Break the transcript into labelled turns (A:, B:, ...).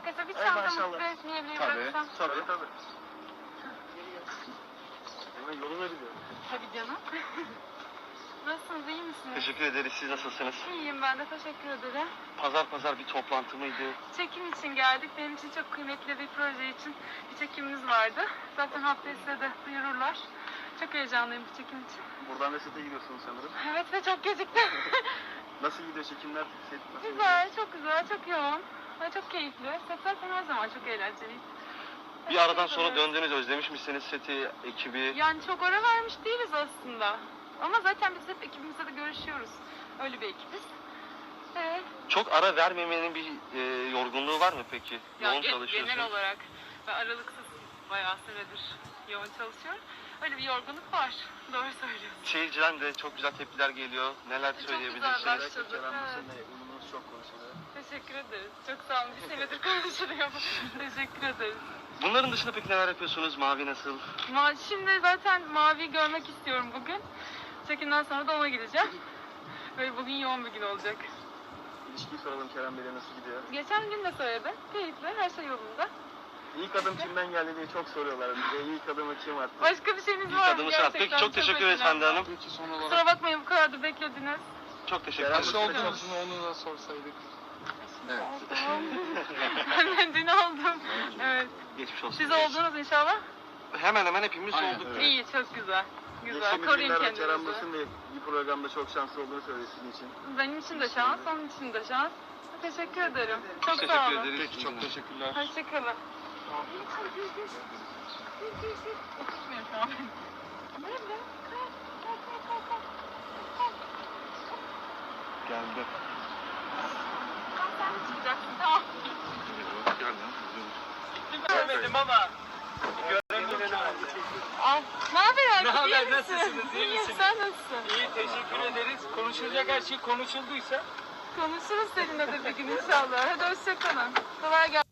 A: Arkadaşlar bir
B: Ay
A: çantamı
B: maşallah.
A: resmiyebilirim
C: Tabii.
A: bıraksam.
B: Tabii. Hemen yoluna biliyorum.
A: Tabii canım. Nasılsınız, iyi misiniz?
C: Teşekkür ederiz. Siz nasılsınız?
A: İyiyim, ben de teşekkür ederim.
C: Pazar bir toplantı mıydı?
A: Çekim için geldik. Benim için çok kıymetli bir proje için bir çekimimiz vardı. Zaten haftaya size de duyururlar. Çok heyecanlıyım bu çekim için.
B: Buradan da sete gidiyorsunuz sanırım.
A: Evet ve çok geciktim.
B: Nasıl gidiyor çekimler? Set nasıl
A: Güzel, çok güzel, çok yoğun. Ve çok keyifli. Set zaten her zaman çok eğlenceli.
C: Bir aradan sonra döndünüz. Özlemiş misiniz seti, ekibi?
A: Yani çok ara vermiş değiliz aslında. Ama zaten biz hep ekibimizle de görüşüyoruz. Öyle bir ekibiz.
C: Çok ara vermemenin bir yorgunluğu var mı peki? Yoğun
A: Genel
C: çalışıyorsunuz.
A: olarak ben aralıksız bayağı süredir yoğun çalışıyorum. Öyle bir yorgunluk var. Doğru söylüyorsun.
C: Seyirciden de çok güzel tepkiler geliyor. Neler
A: güzel
C: söyleyebilirsiniz?
A: başladı.
B: Kerem
A: Evet.
B: bu sene ununuz çok konuşuluyor.
A: Teşekkür ederiz. Çok sağ olun. Bir senedir konuşuluyor. Teşekkür ederiz.
C: Bunların dışında peki neler yapıyorsunuz? Mavi nasıl?
A: Şimdi zaten Mavi'yi görmek istiyorum bugün. Çekimden sonra da ona gideceğim. Böyle bugün yoğun bir gün olacak.
B: İlişkiyi soralım Kerem Bey'le nasıl gidiyor?
A: Geçen gün de söyledim. Keyifli, her şey yolunda.
B: İlk adım kimden geldi diye çok soruyorlar bize. İlk adımı kim attı?
A: Başka bir şeyiniz
C: İlk
A: var mı?
C: adımı sen at. Peki çok teşekkür ederiz
A: önemli.
C: Hande Hanım.
D: Peki son olarak
A: Kusura bakmayın bu kadar da beklediniz.
C: Çok teşekkür
B: Kerem
C: ederiz.
B: Bey-
D: kaç olduğunuzu onu da sorsaydık. Evet.
A: Ben dün oldum. Evet.
C: Geçmiş olsun.
A: Siz oldunuz inşallah.
C: Hemen hemen hepimiz
D: Aynen,
C: olduk.
D: evet.
A: İyi, çok güzel. Güzel.
B: Geçtiğimiz
A: Koruyun
B: günlerde Kerem
A: kendinizi.
B: Bey'in de bir programda çok şanslı olduğunu söyledi sizin için.
A: Benim için de şans, onun için de şans. Teşekkür ederim. Çok
C: Teşekkür
A: sağ olun.
C: ederiz.
D: Peki çok teşekkürler.
A: Hoşçakalın. Oturmuyor şu an. Nerede?
C: Geldi.
A: Sen çıkacaksın, tamam.
E: Görmedim ama. Görmedim ama.
A: Al. Ne haber abi?
E: Ne haber,
A: İyi misin?
E: nasılsınız, iyi
A: İyiyim,
E: misiniz?
A: sen nasılsın?
E: İyi, teşekkür ederiz. Konuşulacak her şey konuşulduysa.
A: Konuşuruz seninle de bir gün inşallah. Hadi hoşçakalın. Kolay gelsin.